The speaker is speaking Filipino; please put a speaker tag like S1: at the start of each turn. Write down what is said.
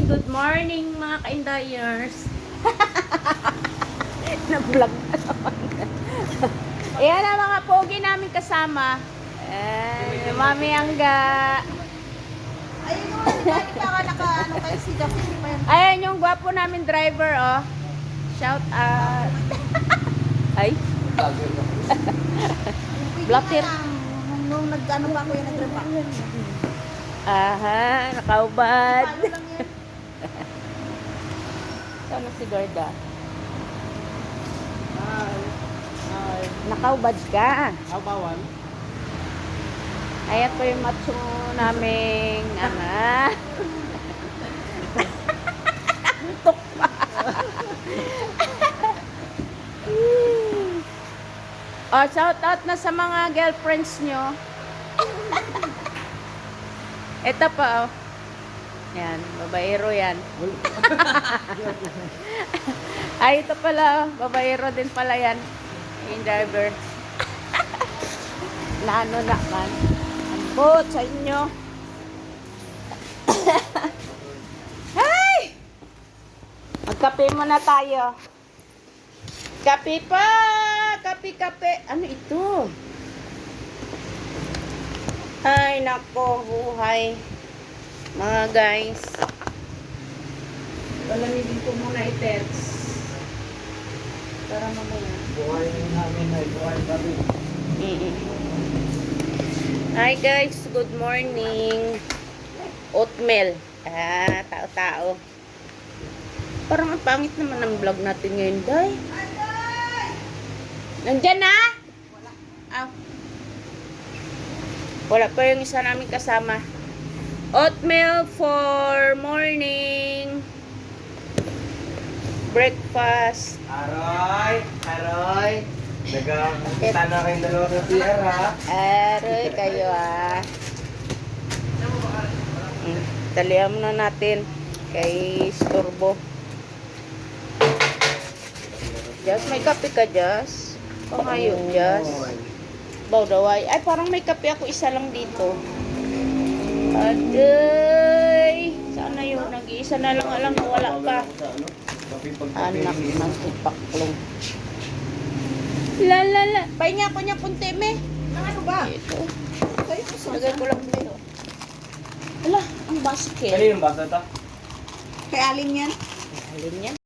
S1: good morning mga ka-indayers. Na-vlog na naman. Ayan ang mga pogi namin kasama. Mami Angga.
S2: Ayun mo, baka naka-ano kayo si Jack.
S1: Ayan yung gwapo namin driver, oh. Shout out. Ay. Blocker.
S2: Nung nag-ano pa ako yung nag-repa.
S1: Aha, nakaubad.
S2: Palo lang yan.
S1: Sana si Garda. Nakaubad ka.
S3: Bawal.
S1: Ayan po yung macho naming Tuk pa. Oh, shout out na sa mga girlfriends nyo. Ito pa, oh. Yan, babaero yan. Ay, ito pala, oh. Babaero din pala yan. Yung driver. Naano naman. Ambot sa inyo. Ay! Magkape muna tayo. Kape pa! Kape. Ano ito? Ay, nako, buhay. Mga guys. Palamigin ko muna i-text. Para mamaya.
S3: Buhay namin ay buhay kami.
S1: Hi guys, good morning. Oatmeal. Tao-tao. Parang ang pangit naman ang vlog natin ngayon, day. Nandyan na? Wala. Wala pa yung isa namin kasama. Oatmeal for morning. Breakfast.
S3: Aroy. Nagkakita na kayong dalawa sa CR, ha?
S1: Aroy kayo, Talihan muna natin kay Storbo. Just may kape ka, Just? Pangayon, Just. Bawdaway. Ay, parang may kape ako, isa lang dito. Aday! Sana yun, nag-iisa na lang alam na wala pa. Anak ng ipaklong. La. Pahinga ko niya punti, me.
S2: Ano ba?
S1: Ito.
S2: Kayo po sa
S1: Lagay ko lang dito. Ala, ang basket.
S3: Kanino yung basa ito?
S2: Kay Alin yan?
S1: Alin yan?